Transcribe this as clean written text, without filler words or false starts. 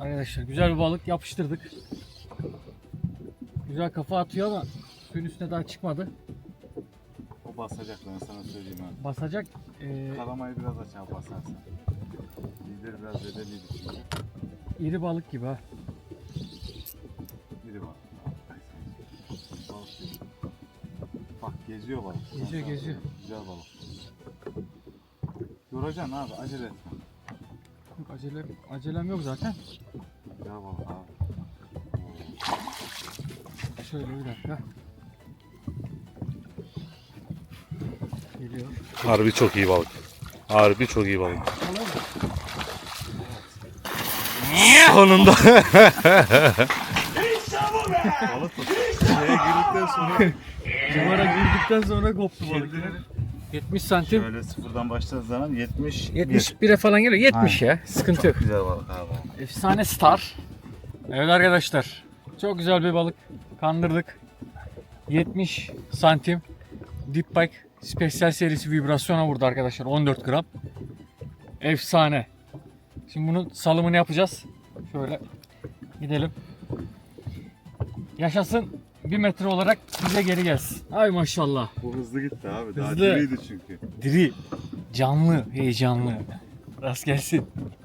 Arkadaşlar güzel bir balık yapıştırdık. Güzel kafa atıyor ama suyun üstüne daha çıkmadı. O basacak, ben sana söyleyeyim ha. Basacak. Kalamayı biraz aşağı basarsan. Bizleri biraz bedeliydi çünkü. İri balık gibi ha. Biri var. Balık değil. Bak geziyor balık. Geziyor, geziyor. Güzel balık. Yoracaksın abi, acele etme. Yok, acelem yok zaten. Güzel balık abi. Şöyle bir dakika. Geliyor. Harbi çok iyi balık. Harbi çok iyi balık. Sonunda. Balık mı? Şeye girdikten sonra Civara girdikten sonra koptu balık. 70 santim. şöyle sıfırdan başladığın zaman 70. 71'e falan geliyor. 70 ya. Sıkıntı yok. Güzel balık abi. Efsane star. Evet arkadaşlar. Çok güzel bir balık. Kandırdık. 70 santim. Deep Bike Special serisi vibrasyona vurdu arkadaşlar. 14 gram. Efsane. Şimdi bunun salımını yapacağız. Şöyle gidelim. Yaşasın 1 metre olarak bize geri gelsin. Ay maşallah. Bu hızlı gitti abi. Daha Hızlı. diriydi çünkü. Diri, canlı, heyecanlı. Rast gelsin.